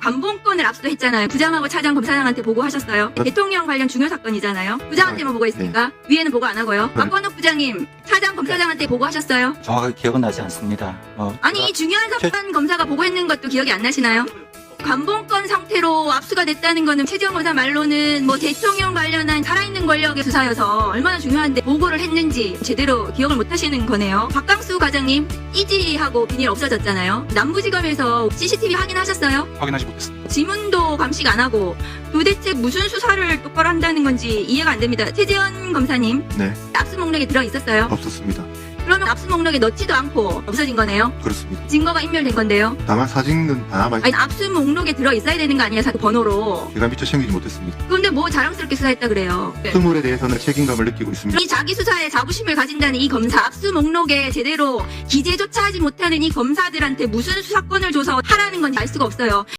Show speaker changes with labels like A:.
A: 관본권을 압수했잖아요. 부장하고 차장 검사장한테 보고하셨어요. 대통령 관련 중요 사건이잖아요. 부장한테만 보고했습니까? 위에는 보고 안 하고요. 박건욱 부장님, 차장 검사장한테 보고하셨어요?
B: 정확하게 기억은 나지 않습니다.
A: 아니, 중요한 사건 검사가 보고했는 것도 기억이 안 나시나요? 관본권 상태로 압수가 됐다는 거는 최재형 검사 말로는 뭐 대통령 관련한 살아있는 권력의 수사여서 얼마나 중요한데 보고를 했는지 제대로 기억을 못 하시는 거네요. 박강수 과장님, 이지하고 비닐 없어졌잖아요. 남부지검에서 CCTV 확인하셨어요?
C: 확인하지 못했습니다.
A: 지문도 감식 안 하고 도대체 무슨 수사를 똑바로 한다는 건지 이해가 안 됩니다. 최재현 검사님,
D: 네,
A: 압수 목록에 들어 있었어요?
D: 없었습니다.
A: 그러면 압수 목록에 넣지도 않고 없어진 거네요?
D: 그렇습니다.
A: 증거가 인멸된 건데요?
D: 다만 사진은 남아
A: 아니, 압수 목록에 들어 있어야 되는 거 아니에요? 번호로.
D: 제가 미처 챙기지 못했습니다.
A: 그런데 뭐 자랑스럽게 수사했다 그래요?
D: 스물에 대해서는 책임감을 느끼고 있습니다.
A: 이 자기 수사에 자부심을 가진다는 이 검사, 압수 목록에 제대로 기재조차 하지 못하는 이 검사들한테 무슨 수사권을 줘서 하라는 건지 알 수가 없어요.